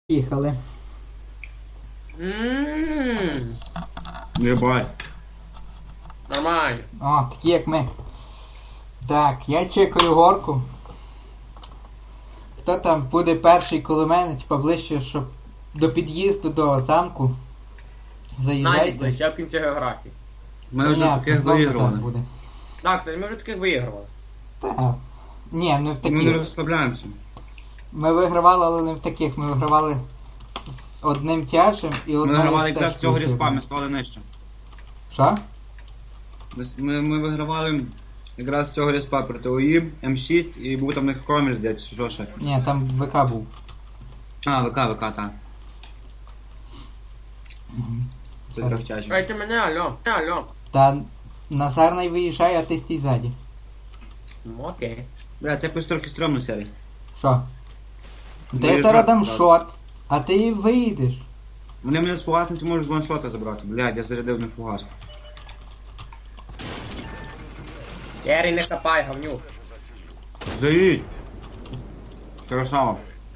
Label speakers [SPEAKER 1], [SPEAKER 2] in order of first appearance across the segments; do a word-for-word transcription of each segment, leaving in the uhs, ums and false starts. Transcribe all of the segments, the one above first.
[SPEAKER 1] Їхали.
[SPEAKER 2] Ммм,
[SPEAKER 3] Єбать.
[SPEAKER 2] нормально.
[SPEAKER 1] О, такі як ми. Так, я чекаю горку. Хто там буде перший коло мене, типа ближче, щоб до під'їзду до замку.
[SPEAKER 2] Назік
[SPEAKER 1] Заїжджайте.
[SPEAKER 2] ближче, я в кінці географії.
[SPEAKER 3] Ми вже
[SPEAKER 1] Понятно,
[SPEAKER 3] таких
[SPEAKER 1] знов назад
[SPEAKER 3] виігрували.
[SPEAKER 1] буде.
[SPEAKER 2] Так, це ми вже таких виігрували.
[SPEAKER 1] Так. Ні, не в
[SPEAKER 3] Ми не
[SPEAKER 1] таких.
[SPEAKER 3] розслабляємося.
[SPEAKER 1] Ми вигравали, але не в таких. Ми вигравали з одним тяжем і
[SPEAKER 3] Ми
[SPEAKER 1] одною
[SPEAKER 3] вигравали якраз з
[SPEAKER 1] стежкою
[SPEAKER 3] цього різпа,
[SPEAKER 1] жирною.
[SPEAKER 3] ми стали нижче.
[SPEAKER 1] Що?
[SPEAKER 3] Ми, ми, ми вигравали якраз з цього різпа проти ОІ, М шість і був там в них Кромель, здається, що ще.
[SPEAKER 1] Ні, там ВК був.
[SPEAKER 3] А, ВК, ВК, так. Це
[SPEAKER 1] Так.
[SPEAKER 3] трьохтяжі.
[SPEAKER 2] Чекайте мене, алло, алло.
[SPEAKER 1] Та Назар не виїжджає, а ти стій ззаді.
[SPEAKER 2] Ну окей.
[SPEAKER 3] Бля, це якось трохи стрьомно, Сергій.
[SPEAKER 1] Що? Та я
[SPEAKER 3] Виїжджати
[SPEAKER 1] зараз дам
[SPEAKER 3] треба.
[SPEAKER 1] шот, а ти виїдеш.
[SPEAKER 3] Вони мене з фугасниці можуть з ваншота забрати. Блядь, я зарядив не фугас.
[SPEAKER 2] Єрій, не хапай, говнюк.
[SPEAKER 3] Заїдь! Красава.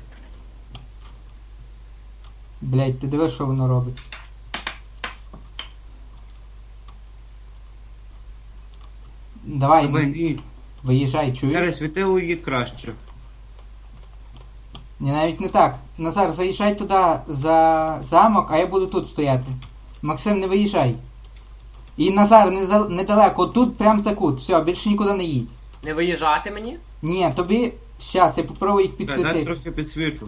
[SPEAKER 1] Блять, ти дивиш, що воно робить. Давай,
[SPEAKER 3] Тебе ні.
[SPEAKER 1] виїжджай, чуєш?
[SPEAKER 3] Зараз світи ОІ краще.
[SPEAKER 1] Ні, навіть не так. Назар, заїжджай туди за замок, а я буду тут стояти. Максим, не виїжджай. І Назар, не за- недалеко, тут прям за кут. Все, більше нікуди не їдь.
[SPEAKER 2] Не виїжджати мені?
[SPEAKER 1] Ні, тобі. Щас, я попробую їх
[SPEAKER 3] Бля, дай
[SPEAKER 1] підсвітити.
[SPEAKER 3] трохи підсвічу.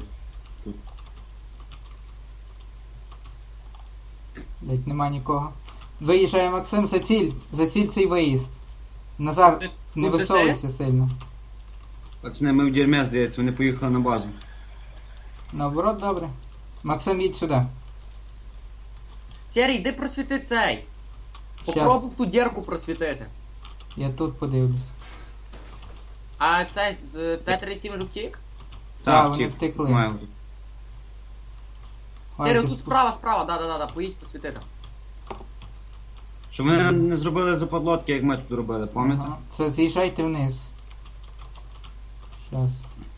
[SPEAKER 1] Блять, нема нікого. Виїжджає Максим, за ціль. За ціль цей виїзд. Назар,
[SPEAKER 2] Ти-
[SPEAKER 1] не
[SPEAKER 2] тут
[SPEAKER 1] висовуйся сильно.
[SPEAKER 3] Пацани, ми в дерьмі, здається, вони поїхали на базу.
[SPEAKER 1] Наоборот, добре. Максим, їдь сюди.
[SPEAKER 2] Сєрій, йди просвіти цей.
[SPEAKER 1] Щас.
[SPEAKER 2] Попробуй ту дірку просвітити.
[SPEAKER 1] Я тут подивлюсь.
[SPEAKER 2] А цей з Т тридцять сім вже втік?
[SPEAKER 1] Так, вони
[SPEAKER 3] втік.
[SPEAKER 1] втекли.
[SPEAKER 3] Маю.
[SPEAKER 1] Ой,
[SPEAKER 2] Сєрій,
[SPEAKER 1] ти
[SPEAKER 2] тут
[SPEAKER 1] спу-
[SPEAKER 2] справа, справа, да-да-да, поїдь просвітити.
[SPEAKER 3] Що вони не зробили западлотки, як ми тут робили, пам'ятаєте?
[SPEAKER 1] Ага. Це з'їжджайте вниз. Щас.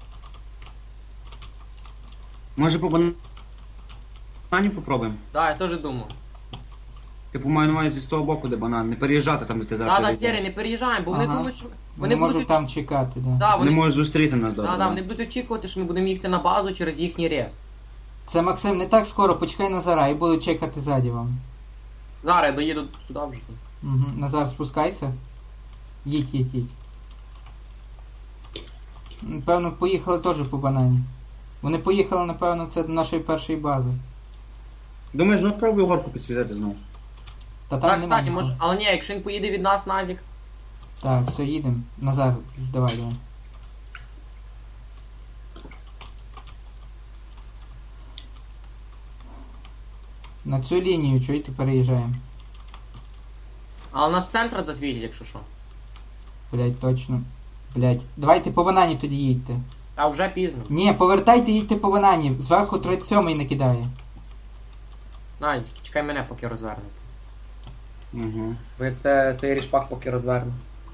[SPEAKER 3] Може по банані попробуємо?
[SPEAKER 2] Да, я теж думаю.
[SPEAKER 3] Типу маю на увазі з того боку, де банан, не переїжджати там, де ти зараз.
[SPEAKER 2] Да-да,
[SPEAKER 3] переїжджаєш.
[SPEAKER 2] Сєрій, не переїжджаємо, бо вони
[SPEAKER 1] Ага.
[SPEAKER 2] думають, що...
[SPEAKER 1] Вони,
[SPEAKER 2] Вони
[SPEAKER 1] можуть
[SPEAKER 2] будуть...
[SPEAKER 1] там чекати, да.
[SPEAKER 2] Да,
[SPEAKER 3] Вони
[SPEAKER 2] вони...
[SPEAKER 3] можуть зустріти нас добре.
[SPEAKER 2] Да, да, вони будуть очікувати, що ми будемо їхати на базу через їхній рез.
[SPEAKER 1] Це Максим, не так скоро, почекай Назара і буду чекати ззаді вам.
[SPEAKER 2] Зараз я доїду сюди вже.
[SPEAKER 1] Угу. Назар, спускайся. Їдь, їдь, їдь. Напевно, поїхали теж по банані. Вони поїхали, напевно, це до нашої першої бази.
[SPEAKER 3] Думаєш, ну пробуй горку підсвітити знову.
[SPEAKER 1] Та там
[SPEAKER 2] Так,
[SPEAKER 1] нема
[SPEAKER 2] кстати,
[SPEAKER 1] нікого.
[SPEAKER 2] може... Але ні, якщо він поїде від нас, Назік.
[SPEAKER 1] Так, все, їдемо. Назар, давай, давай. На цю лінію, чуєте, переїжджаємо.
[SPEAKER 2] Але нас центр засвітять, якщо що.
[SPEAKER 1] Блять, точно. Блять. Давайте по банані тоді їдьте.
[SPEAKER 2] Та вже пізно.
[SPEAKER 1] Ні, повертайте, їдьте по банані. Зверху тридцять сьомий накидає.
[SPEAKER 2] Назік, чекай мене, поки розверну.
[SPEAKER 3] Угу.
[SPEAKER 2] Бо я це, цей рішпак поки розверну.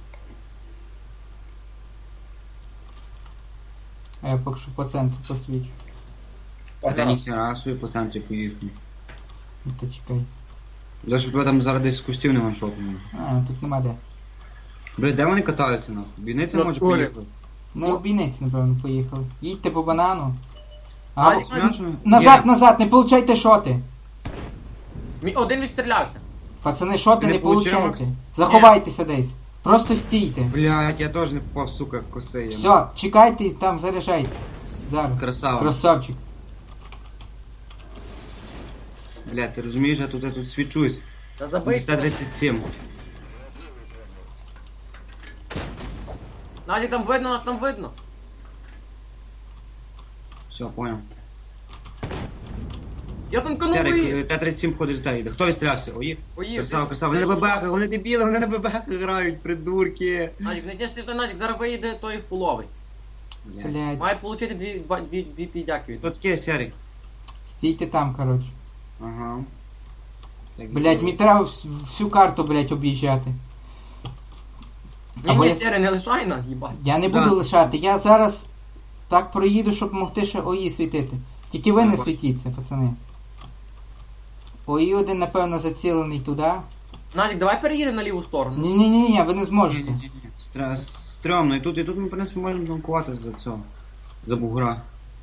[SPEAKER 1] А я поки що по центру посвічу.
[SPEAKER 3] А ти
[SPEAKER 2] Погнали.
[SPEAKER 3] ніхера собі по центрі поїхав.
[SPEAKER 1] Ну то чекай.
[SPEAKER 3] Для щоб тебе там зараз десь з кустів не ваншотнули.
[SPEAKER 1] А, тут нема де.
[SPEAKER 3] Бля, де вони катаються нахуй? Бійниця
[SPEAKER 2] На
[SPEAKER 3] може
[SPEAKER 2] полі.
[SPEAKER 3] поїхати.
[SPEAKER 1] Не обійниці, напевно, поїхали. Їдьте по банану. А,
[SPEAKER 2] Назік,
[SPEAKER 1] о-
[SPEAKER 3] Знаєш, що-
[SPEAKER 1] назад,
[SPEAKER 3] Є.
[SPEAKER 1] назад, не получайте шоти.
[SPEAKER 2] Мій один відстрілявся.
[SPEAKER 1] Пацани, шоти
[SPEAKER 3] Не
[SPEAKER 1] не
[SPEAKER 3] получив,
[SPEAKER 1] получайте.
[SPEAKER 3] Макс?
[SPEAKER 1] Заховайтеся десь. Просто стійте.
[SPEAKER 3] Блядь, я теж не попав, сука, в коси. я.
[SPEAKER 1] Все, чекайте і там заряджайте. Зараз.
[SPEAKER 3] Красава.
[SPEAKER 1] Красавчик.
[SPEAKER 3] Блядь, ти розумієш, я тут, я тут свічусь.
[SPEAKER 2] Та забий.
[SPEAKER 3] Т тридцять сім.
[SPEAKER 2] Назік, там видно, нас там видно.
[SPEAKER 3] Все, понял.
[SPEAKER 2] Я там коновий.
[SPEAKER 3] Серик, Т тридцять сім ходить та йде. Хто відстрілявся? Ої?
[SPEAKER 2] Поїв.
[SPEAKER 3] Красава, красава. Вони на бебехах, вони дебіли, вони на бебехах грають, придурки.
[SPEAKER 2] Назік, не тішся той Назік, зараз виїде той фуловий.
[SPEAKER 3] Блядь.
[SPEAKER 1] Блять.
[SPEAKER 2] Має отримати дві, два- дві, дві піздяки від.
[SPEAKER 3] Хто таке, Серик?
[SPEAKER 1] Стійте там, коротше.
[SPEAKER 3] Ага. Так,
[SPEAKER 1] Блять, мені треба вс- всю карту, блять, об'їжджати.
[SPEAKER 2] Ні,
[SPEAKER 1] Або
[SPEAKER 2] ні,
[SPEAKER 1] я с-
[SPEAKER 2] Сєрій, не лишай нас, їбать.
[SPEAKER 1] Я не
[SPEAKER 3] Да.
[SPEAKER 1] буду лишати, я зараз так проїду, щоб могти ще ОІ світити. Тільки ви не
[SPEAKER 3] Ага.
[SPEAKER 1] світіться, пацани. Ой, один, напевно, зацілений туди.
[SPEAKER 2] Назік, давай переїдемо на ліву сторону.
[SPEAKER 1] Ні-ні-ні, ви не зможете.
[SPEAKER 3] Ні-ні-ні. Стра- Стрьомно, і тут, і тут ми, в принципі, можемо танкувати за цього. За бугра.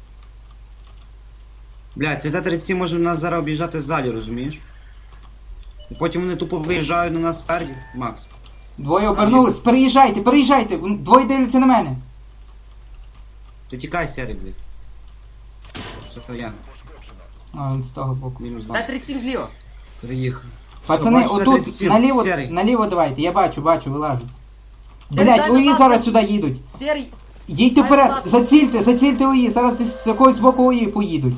[SPEAKER 3] Блядь, ці Т тридцять сім може нас зараз об'їжджати ззаді, розумієш? І потім вони тупо виїжджають на нас спереді, Макс.
[SPEAKER 1] Двоє обернулись, переїжджайте, переїжджайте, двоє дивляться на мене.
[SPEAKER 3] Ти тікай, Сері, блядь. Що то я?
[SPEAKER 1] А, він з того боку.
[SPEAKER 3] Мінус
[SPEAKER 2] Т
[SPEAKER 3] два.
[SPEAKER 2] тридцять сім зліва.
[SPEAKER 3] Приїхав.
[SPEAKER 1] Пацани,
[SPEAKER 3] Що, бачиш,
[SPEAKER 1] отут,
[SPEAKER 3] тридцять сім,
[SPEAKER 1] наліво,
[SPEAKER 3] Серий?
[SPEAKER 1] наліво давайте, я бачу, бачу, вилазить.
[SPEAKER 2] Серий,
[SPEAKER 1] Блять,
[SPEAKER 2] дай
[SPEAKER 1] ої
[SPEAKER 2] назад,
[SPEAKER 1] зараз
[SPEAKER 2] дай.
[SPEAKER 1] сюди їдуть.
[SPEAKER 2] Серій.
[SPEAKER 1] Їдьте
[SPEAKER 2] Дай
[SPEAKER 1] вперед,
[SPEAKER 2] назад.
[SPEAKER 1] зацільте, зацільте ої, зараз десь з якогось боку ої поїдуть.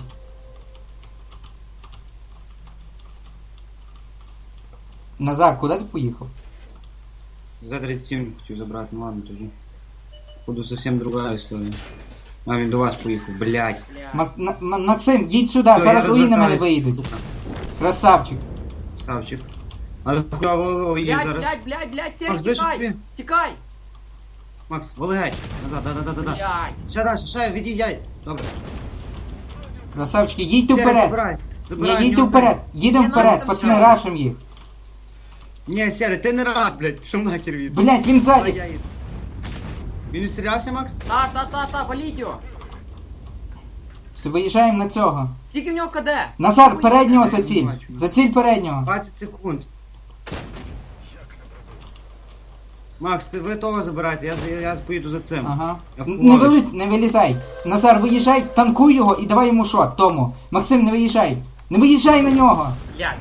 [SPEAKER 1] Назар, куди ти поїхав?
[SPEAKER 3] Т тридцять сім хотів забрати, ну ладно тоді. Буду зовсім друга історія. А він до вас поїхав, блядь.
[SPEAKER 2] Бля.
[SPEAKER 1] Мак- На- М- Максим, їдь сюди,
[SPEAKER 3] Всё,
[SPEAKER 1] зараз
[SPEAKER 3] я
[SPEAKER 1] ої на мене
[SPEAKER 3] розвертаюсь,
[SPEAKER 1] виїдуть.
[SPEAKER 3] сука.
[SPEAKER 1] Красавчик.
[SPEAKER 3] Савчик. Але хуйово ої
[SPEAKER 2] Блядь,
[SPEAKER 3] зараз.
[SPEAKER 2] блядь, блядь, блядь, Серій,
[SPEAKER 3] Макс, де ж
[SPEAKER 2] тікай.
[SPEAKER 3] ти?
[SPEAKER 2] Тікай.
[SPEAKER 3] Макс, вали геть. Назад, да-да-да-да.
[SPEAKER 2] Блядь.
[SPEAKER 3] Ще далі, ще, від'їдяй. Добре.
[SPEAKER 1] Красавчики, їдьте
[SPEAKER 3] Сері,
[SPEAKER 1] вперед.
[SPEAKER 3] забирай.
[SPEAKER 1] Ні,
[SPEAKER 3] Забирай, в
[SPEAKER 1] їдьте
[SPEAKER 3] нього
[SPEAKER 1] вперед, їдемо
[SPEAKER 2] Ні,
[SPEAKER 1] вперед,
[SPEAKER 2] нам там
[SPEAKER 1] пацани,
[SPEAKER 2] ще.
[SPEAKER 1] рашим їх.
[SPEAKER 3] цей. Ні, Сері, ти не рад, блядь, що нахер від.
[SPEAKER 1] Блять, він
[SPEAKER 3] Давай,
[SPEAKER 1] ззаді.
[SPEAKER 3] я їду. Він відстрілявся, Макс?
[SPEAKER 2] Та, та, та, та, валіть його.
[SPEAKER 1] Все, виїжджаємо на цього.
[SPEAKER 2] Скільки в нього КД?
[SPEAKER 1] Назар, переднього
[SPEAKER 3] Я не
[SPEAKER 1] заціль.
[SPEAKER 3] бачу.
[SPEAKER 1] Заціль переднього.
[SPEAKER 3] двадцять секунд. Макс, ти ви того забирайте, я, я, я поїду за цим.
[SPEAKER 1] Ага.
[SPEAKER 3] Я
[SPEAKER 1] Н-
[SPEAKER 3] в
[SPEAKER 1] Не
[SPEAKER 3] лавочку.
[SPEAKER 1] виліз, не вилізай. Назар, виїжджай, танкуй його і давай йому шот, тому. Максим, не виїжджай. Не виїжджай на нього.
[SPEAKER 2] Блядь.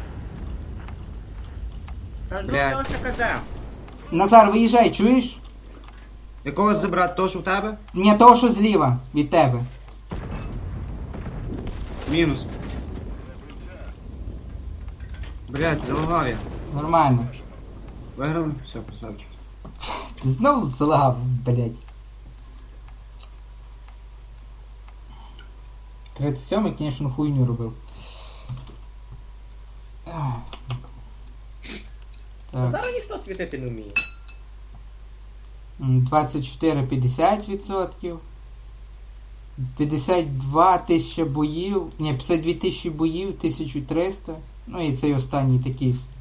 [SPEAKER 2] Та ж
[SPEAKER 3] Блядь.
[SPEAKER 2] у нього ще КД.
[SPEAKER 1] Назар, виїжджай, чуєш?
[SPEAKER 3] Якогось забрати, того, що в тебе?
[SPEAKER 1] Ні, того, що зліва від тебе.
[SPEAKER 3] Мінус. Блять, залагав я.
[SPEAKER 1] Нормально.
[SPEAKER 3] Виграли? Все, красавчик.
[SPEAKER 1] Ти знову залагав, блять. тридцять сьомий, звісно, хуйню робив. Ах. Так.
[SPEAKER 2] Зараз ніхто світити не вміє.
[SPEAKER 1] М, двадцять чотири п'ятдесят відсотків. п'ятдесят два тисячі боїв. Ні, п'ятдесят дві тисячі боїв, тисяча триста. Ну і цей останній такий